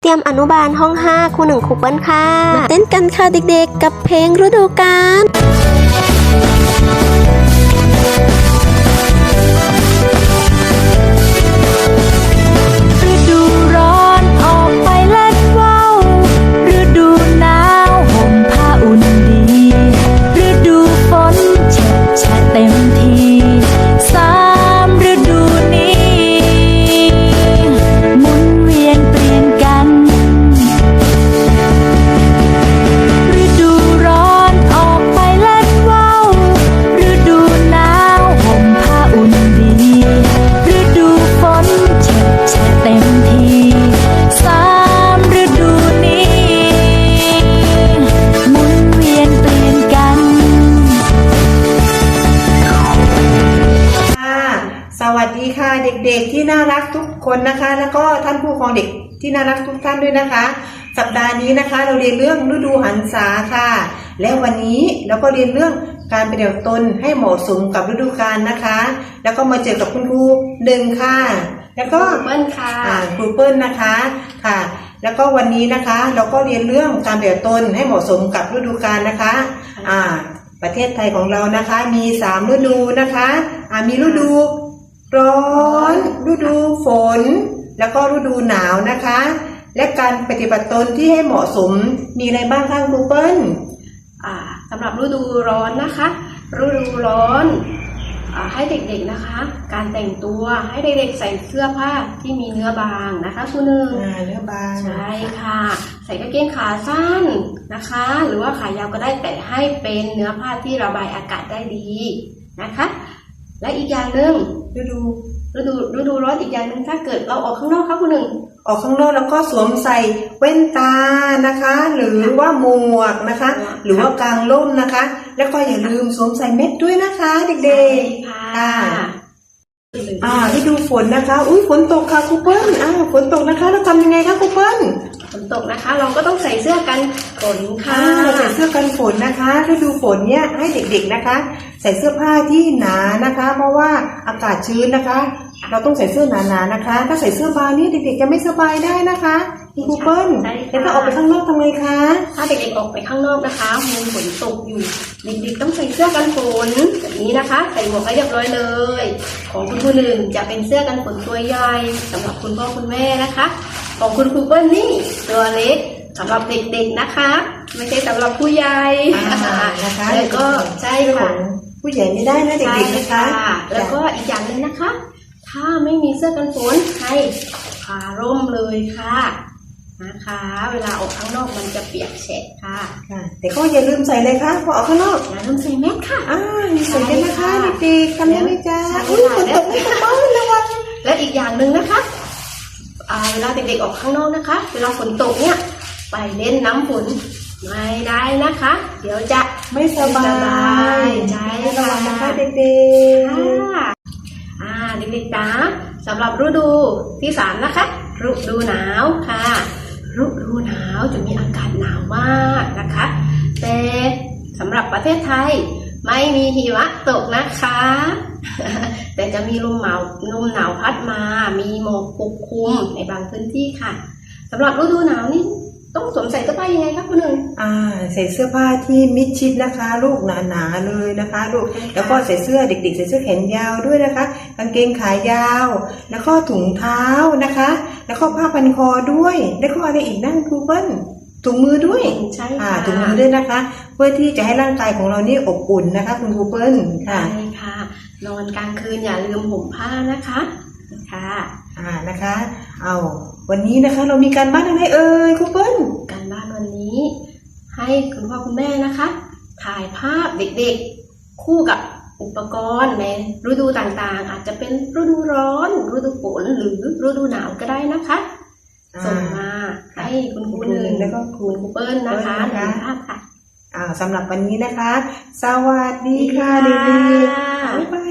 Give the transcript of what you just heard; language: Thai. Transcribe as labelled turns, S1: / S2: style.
S1: เตรียมอนุบาลห้อง5ครู1ครูเปิ้ลค่ะมาเต้นกันค่ะเด็กๆกับเพลงฤดูกาล
S2: ฤดูร้อนออกไปเล่นว่าวฤดูหนาวห่มผ้าอุ่นดีฤดูฝนแฉะแฉะเต็มที3 ฤดูนี้หมุนเวียนเปลี่ยนกันฤดูร้อนออกไปเล่นว่าวฤดูหนาวห่มผ้าอุ่นดีฤดูฝนแฉะแฉะเต็มที3 ฤดูนี้หมุนเวียนเปลี่ยนกัน
S3: สวัสดีค่ะเด็กๆที่น่ารักทุกคนนะคะแล้วก็ท่านผู้ปกครองเด็กที่น่ารักทุกท่านด้วยนะคะสัปดาห์นี้นะคะเราเรียนเรื่องฤดูหันษาค่ะและวันนี้เราก็เรียนเรื่องการปฏิบัติตนให้เหมาะสมกับฤดูกาลนะคะแล้วก็มาเจอกับคุณครูหนึ่งค่ะแล้วก็
S1: เปิ้ลค่ะ
S3: ครูเปิ้ลนะคะค่ะแล้วก็วันนี้นะคะเราก็เรียนเรื่องการปฏิบัติตนให้เหมาะสมกับฤดูกาลนะคะประเทศไทยของเรานะคะมี3ฤดูนะคะมีฤดูร้อนฤดูฝนแล้วก็ฤดูหนาวนะคะและการปฏิบัติตนที่ให้เหมาะสมมีอะไรบ้างคะครูเปิ้ล
S4: สำหรับฤดูร้อนนะคะฤดูร้อนให้เด็กๆนะคะการแต่งตัวให้เด็กๆใส่เสื้อผ้าที่มีเนื้อบางนะคะคุณหนึ่ง
S3: เนื้อบาง
S4: ใช่ค่ะใส่กางเกงขาสั้นนะคะหรือว่าขายาวก็ได้แต่ให้เป็นเนื้อผ้าที่ระบายอากาศได้ดีนะคะและอีกอย่างหนึ่งฤดูร้อนอีกอย่างหนึ่งถ้าเกิดเราออกข้างนอกค่ะคุณหนึ่ง
S3: ออกข้างนอกแล้วก็สวมใส่แว่นตานะคะหรือว่าหมวกนะคะหรือว่ากางร่มนะคะแล้วก็อย่าลืมสวมใส่เม็ดด้วยนะคะเด็กๆค่ะฤดูฝนนะคะฝนตกค่ะครูเปิ้ลฝนตกนะคะเราทำยังไงคะครูเปิ้ล
S4: ฝนตกนะคะเราก็ต้องใส่เสื้อกันฝนค่ะ
S3: ใส่เสื้อกันฝนนะคะฤดูฝนเนี่ยให้เด็กๆนะคะใส่เสื้อผ้าที่หนานะคะเพราะว่าอากาศชื้นนะคะเราต้องใส่เสื้อหนาๆนะคะถ้าใส่เสื้อบางนี่เด็กๆจะไม่สบายได้นะคะครูเปิ้ลแล้วถ้าออกไปข้างนอกทำไงคะ
S4: ถ้าเด็กๆออกไปข้างนอกนะคะมีฝนตกอยู่เด็กๆต้องใส่เสื้อกันฝนแบบนี้นะคะใส่หมวกให้เรียบร้อยเลยของคุณครูหนึ่งจะเป็นเสื้อกันฝนตัวใหญ่สำหรับคุณพ่อคุณแม่นะคะของคุณครูเปิ้ลนี่ตัวเล็กสำหรับเด็กๆนะคะไม่ใช่สำหรับผู้ใหญ่
S3: นะคะ
S4: แล้วก็ใช่ค่ะ
S3: ผู้ใหญ่ไม่ได้นะเด็กๆนะคะ
S4: แล้วก็อีกอย่างหนึ่งนะคะถ้าไม่มีเสื้อกันฝนให้พาร่มเลยค่ะนะคะเวลาออกข้างนอกมันจะเปียกแฉะค่ะ
S3: แต่ก็อย่าลืมใส่เลยค่ะพอออกข้างนอก
S4: อย่าลืมใส่แมสค่ะ
S3: ใส่กันนะคะเด็กๆทำได้ไหมจ๊ะฝนตกไม่ตกบ้านระวัง
S4: และอีกอย่างหนึ่งนะคะเวลาเด็กๆออกข้างนอกนะคะเวลาฝนตกเนี่ยไปเล่นน้ำฝนไม่ได้นะคะเดี๋ยวจะ
S3: ไม่สบาย
S4: ใช่
S3: ระวังนะคะเด็กๆ
S4: เด็กๆนะสำหรับฤดูที่3นะคะฤดูหนาวค่ะฤดูหนาวจะมีอากาศหนาวมากนะคะแต่สำหรับประเทศไทยไม่มีหิมะตกนะคะแต่จะมีลมหนาวพัดมามีหมอกปกคลุมในบางพื้นที่ค่ะสำหรับฤดูหนาวนี่ต้องสวมใส่เสื้อผ้ายังไงครับคุณหนึ่ง
S3: ใส่เสื้อผ้าที่มิดชิดนะคะลูกหนาๆเลยนะคะลูกแล้วก็ใส่เสื้อเด็กๆใส่เสื้อแขนยาวด้วยนะคะกางเกงขายาวแล้วก็ถุงเท้านะคะแล้วก็ผ้าพันคอด้วยแล้วก็อะไรอีกนั่นครูเปิ้ลถุงมือด้วย
S4: ใช่ค่ะ
S3: ถุงมือด้วยนะคะเพื่อที่จะให้ร่างกายของเรานี่อบอุ่นนะคะคุณครูเปิ้ล
S4: ค่ะใช่ค่ะนอนกลางคืนอย่าลืมห่มผ้านะคะ
S3: นะคะวันนี้นะคะเรามีการบ้านอะไรเอ่ยครูเปิ้ล
S4: การบ้านวันนี้ให้คุณพ่อคุณแม่นะคะถ่ายภาพเด็กๆคู่กับอุปกรณ์ในฤดูต่างๆอาจจะเป็นฤดูร้อนฤดูฝนหรือฤดูหนาวก็ได้นะคะส่งมาให้คุณครูหนึ่งแล้วก็คุณครูเปิ้ลนะคะถ่ายภาพค่ะ
S3: สำหรับวันนี้นะคะสวัสดีค่ะเด็กๆบ๊ายบาย